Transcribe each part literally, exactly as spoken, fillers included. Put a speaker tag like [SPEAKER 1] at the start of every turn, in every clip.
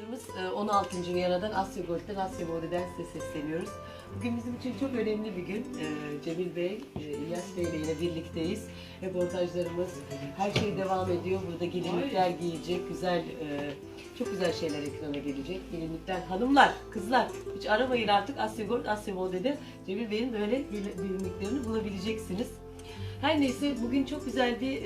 [SPEAKER 1] Arkadaşlarımız on altıncı Viyana'dan, Asya Gold'den, Asya Mode'den size sesleniyoruz. Bugün bizim için çok önemli bir gün. Cemil Bey, İlyas Bey ile yine birlikteyiz. Reportajlarımız, her şey devam ediyor. Burada gelinlikler giyilecek, güzel, çok güzel şeyler ekrana gelecek. Gelinlikler, hanımlar, kızlar, hiç aramayın artık, Asya Gold, Asya Mode'de Cemil Bey'in böyle gelinliklerini bulabileceksiniz. Her neyse, bugün çok güzel bir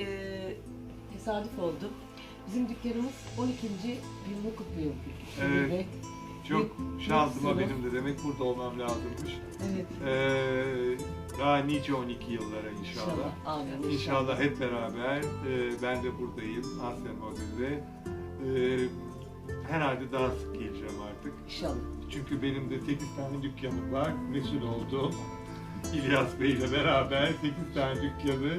[SPEAKER 1] tesadüf oldu. Bizim dükkanımız on ikinci yılını kutluyor.
[SPEAKER 2] Evet.
[SPEAKER 1] Ve
[SPEAKER 2] çok şansıma benim de demek burada olmam lazımmış.
[SPEAKER 1] Evet.
[SPEAKER 2] Ee, daha nice on iki yıllara inşallah. İnşallah,
[SPEAKER 1] amin, inşallah.
[SPEAKER 2] İnşallah hep beraber. E, ben de buradayım Asya Mode'de. E, herhalde daha sık geleceğim artık.
[SPEAKER 1] İnşallah.
[SPEAKER 2] Çünkü benim de sekiz tane dükkanım var. Mesul oldum. İlyas Bey ile beraber sekiz tane dükkanı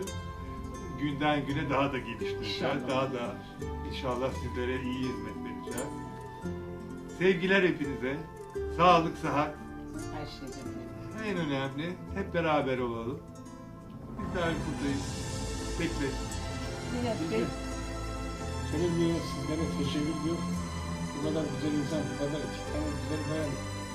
[SPEAKER 2] günden güne daha da geliştireceğiz. İnşallah. Daha da inşallah sizlere iyi hizmet vereceğiz. Sevgiler hepinize. Sağlık, sıhhat.
[SPEAKER 1] Her şeyden
[SPEAKER 2] en önemli. Hep beraber olalım. Bizler buradayız. Bekleyin.
[SPEAKER 1] Bey.
[SPEAKER 3] Senin bir sizlere teşekkür ediyorum. Bu kadar güzel insan, bu kadar iki tane güzel bayan.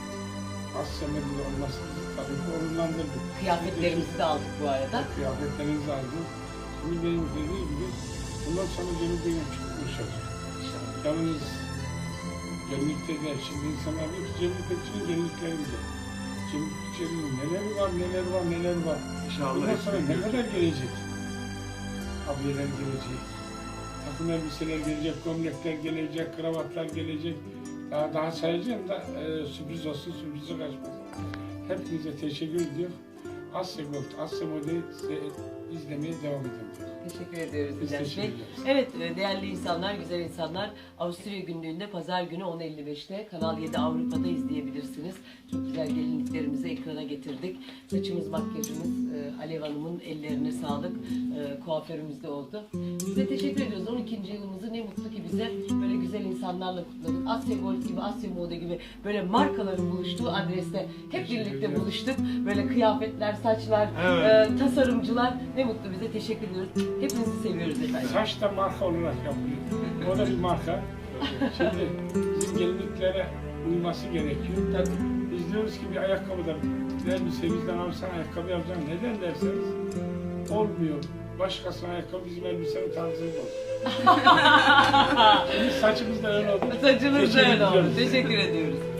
[SPEAKER 3] Asya Mode'de olması tabii ki onurlandırdı.
[SPEAKER 1] Kıyafetlerimizi de aldık bu arada.
[SPEAKER 3] Kıyafetlerinizi aldık. Cemil Bey'in dediği gibi bundan sonra Cemil Bey'in çok konuşacak. Yalnız gelinlikte de şimdi insanlar diyor ki Cemil Bekçi'nin gelinlikleri güzel. Cemil Bekçi'nin neler var, neler var, neler var.
[SPEAKER 2] İnşallah.
[SPEAKER 3] Bundan sonra ne kadar gelecek? Abiyeler gelecek, takım elbiseler gelecek, gömlekler gelecek, kravatlar gelecek. Daha daha sayacağım da e, sürpriz olsun, sürprizi kaçmasın. Hepinize teşekkür ediyorum. Asya Gold, Asya Mode'yi izlemeye devam edin.
[SPEAKER 1] Teşekkür ediyoruz
[SPEAKER 3] Biz
[SPEAKER 1] İlyas
[SPEAKER 3] teşekkür
[SPEAKER 1] Bey.
[SPEAKER 3] ederiz.
[SPEAKER 1] Evet, değerli insanlar, güzel insanlar. Avusturya günlüğünde pazar günü on elli beşte Kanal yedi Avrupa'da izleyebilirsiniz. Çok güzel gelinliklerimizi ekrana getirdik. Saçımız, makyajımız, Alev Hanım'ın ellerine sağlık. Kuaförümüz de oldu. Size teşekkür ediyoruz. on ikinci yılımızı ne mutlu ki bize böyle güzel insanlarla kutladık. Asya Gold gibi, Asya Mode gibi böyle markaların buluştuğu adreste hep birlikte buluştuk. Böyle kıyafetler, saçlar,
[SPEAKER 2] Evet.
[SPEAKER 1] e, tasarımcılar, ne mutlu bize, teşekkür ediyoruz. Hepinizi seviyoruz efendim.
[SPEAKER 3] Saç da marka olarak yapılıyor. O da bir marka. Şimdi bizim gelinliklere uyması gerekiyor.
[SPEAKER 1] Tabii.
[SPEAKER 3] Biz diyoruz ki bir ayakkabıda, bir elbise bizden alırsan ayakkabı yapacaksın. Neden derseniz olmuyor. Başkasının ayakkabı bizim elbisenin tarzı yok. Bizim saçımız da öyle oldu.
[SPEAKER 1] Saçınız da öyle oldu.
[SPEAKER 3] ediyoruz.
[SPEAKER 1] Teşekkür ediyoruz.